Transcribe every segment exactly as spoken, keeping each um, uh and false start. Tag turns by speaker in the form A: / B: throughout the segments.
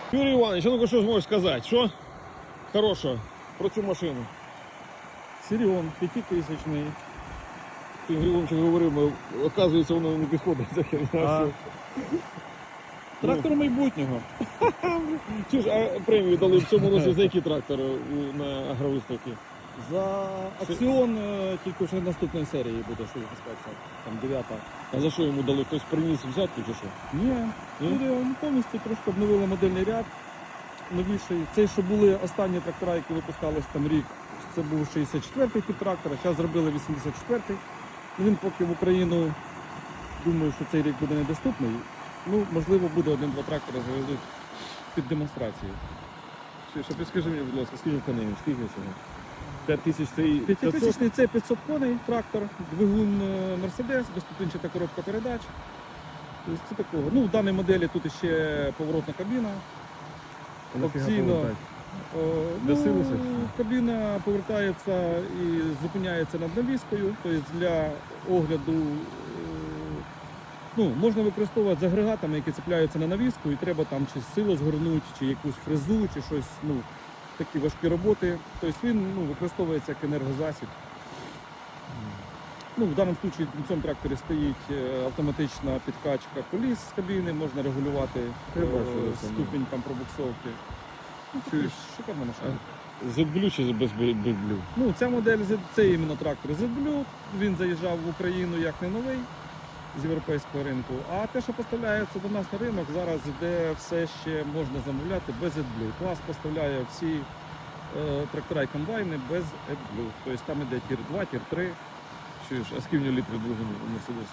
A: Юрій Іванович, а ну-ка що зможеш сказати? Що хорошого про цю машину?
B: Сиріон, п'ятитисячний.
A: Ти Григорович говорив, бо, оказується, воно не підходить за херня.
B: А, трактор майбутнього.
A: Чи ж а премію дали в цьому році за який трактор у- на агровиставці?
B: За акціон е, тільки вже наступної серії буде, що випускатися. Там дев'ята.
A: А за що йому дали? Хтось приніс взятку чи що?
B: Ні,
A: Ні?
B: люди повністю трошки обновили модельний ряд. Новіший. Цей, що були останні трактора, які випускались там рік, це був шістдесят четвертий тип трактора, зараз зробили вісімдесят четвертий. Він поки в Україну, думаю, що цей рік буде недоступний. Ну, можливо, буде один-два трактори завезуть під демонстрацію.
A: Чи що, підскажи мені, будь ласка, скільки коней, скільки цього? п'ять тисяч це і п'ятсот?
B: П'ятитисячний це п'ятсот коней трактор, двигун е, Мерседес, безступінчата коробка передач. Тобто це такого. Ну, в даній моделі тут ще поворотна кабіна. Опційно. О,
A: Для
B: ну,
A: силуса?
B: кабіна повертається і зупиняється над навіскою, тобто для огляду е, ну, можна використовувати з агрегатами, які цепляються на навіску, і треба там чи силу згорнути, чи якусь фрезу, чи щось, ну, такі важкі роботи. Тобто він ну, використовується як енергозасіб. Ну, в даному випадку на цьому тракторі стоїть е, автоматична підкачка коліс з кабіни, можна регулювати
A: Я
B: е,
A: бачу, це,
B: ступінь там пробуксовки. Ну,
A: Чуєш?
B: шикарна машина.
A: Z-Blue чи без Blue?
B: Ну, ця модель, Z- це іменно трактор Z-Blue, він заїжджав в Україну як не новий з європейського ринку, а те, що поставляється до нас на ринок, зараз йде все ще можна замовляти без AdBlue. Клас поставляє всі е, трактора і комбайни без AdBlue, тобто там йде тір два, тір три.
A: Чуєш, а скільки літрів двигун у Мерседесі?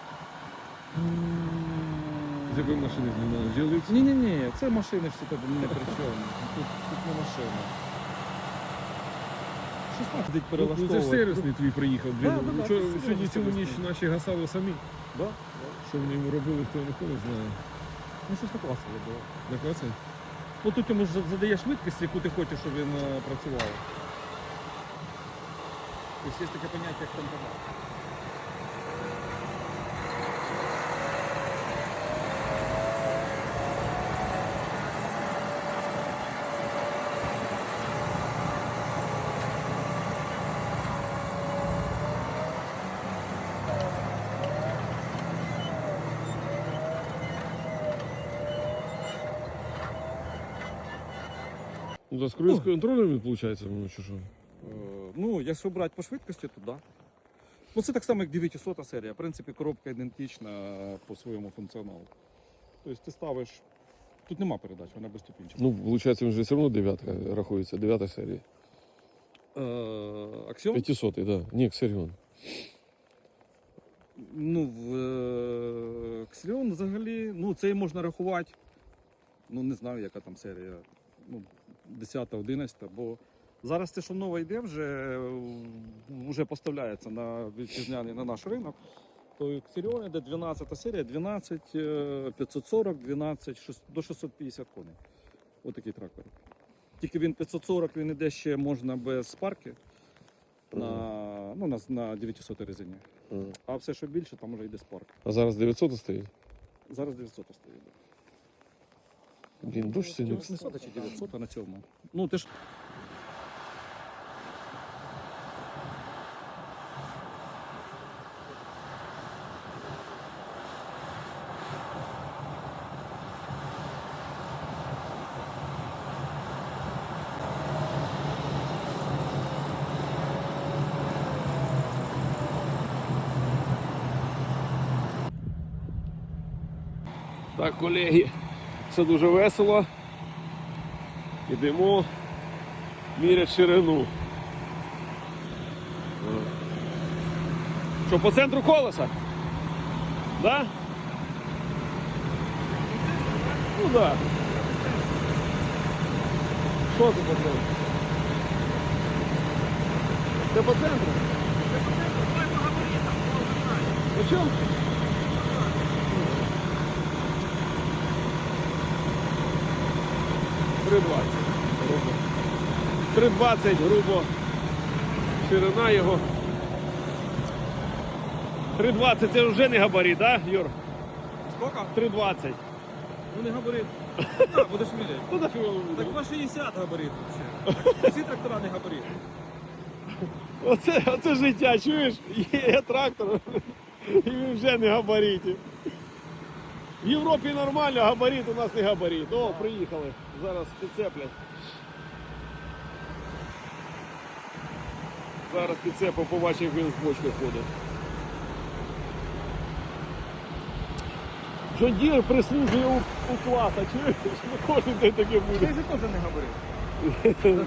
A: З якої машини знімали? З'явився?
B: Ні-ні-ні, це машини всі тут не при чому, тут, тут не машина. шістнадцять
A: Ну, це ж
B: перелаштовувати.
A: сервісний твій приїхав. Блін.
B: Да, да, да,
A: Вчора-
B: це
A: Сьогодні цілу ніч
B: сервісний.
A: наші гасали самі.
B: Да?
A: Що вони йому робили, хто ніхто не знає.
B: Ну щось таке класне було.
A: На клаці?
B: Ну тут йому ж задаєш швидкість, яку ти хочеш, щоб він е, працював. Тобто є таке поняття, як темпомат.
A: Ну, да, з круїз контролем він, виходить, ну, чи що?
B: Е, ну, якщо брати по швидкості, то так. Да. Ну це так само, як дев'ятисотая серія. В принципі, коробка ідентична по своєму функціоналу. Тобто ти ставиш. Тут нема передач, вона безступінчата.
A: Ну, виходить, він же все одно дев'ятка рахується, дев'ята серія.
B: Е, Аксіон?
A: п'ятисотий, так. Да. Ні, Ксеріон.
B: Ну, в е, Ксіон взагалі, ну це можна рахувати. Ну не знаю, яка там серія. Ну, десята, одинадцята, бо зараз те, що нове йде, вже, вже поставляється на вітчизняний на наш ринок. То Ксеріон йде дванадцята серія, дванадцять, п'ятсот сорок, дванадцять, до шістсот п'ятдесят коней. Ось такий трактор. Тільки він п'ятсот сорок, він йде ще можна без парки на, ну, на, на дев'ятисотій резині.
A: Ага.
B: А все, що більше, там вже йде з парку.
A: А зараз дев'ятсот стоїть?
B: Зараз дев'ятсот стоїть.
A: Блін, дощ сильно.
B: восьмисот чи дев'ятсот на цьому. Ну, ти ж...
A: Так, колеги, все дуже весело. Ідемо міряти ширину. Що, по центру колеса? Да? Ну да. Що це по центру? Це по центру? По чому? три двадцять. Грубо. три двадцять, грубо. Ширина його. три двадцять це вже не габарит, так, Юр?
B: Скільки?
A: три двадцять.
B: Ну не габарит. Так, будеш міряти.
A: Ну нафіг воно
B: Так
A: буде.
B: два шістдесят габарит взагалі. Всі трактора не габарит.
A: Оце, оце життя, чуєш? Є трактор, і він вже не габаритів. В Європі нормально, габарит у нас не габарит. О, приїхали. Зараз підцеплять. Зараз підцепив, побачив, як він з бочки ходить. Джондір прислужує у, у класа, чуєш? Ну, кожен день таке буде.
B: Це ж теж не габарит.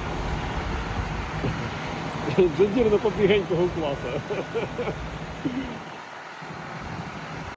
A: Джондір на побігенького класа.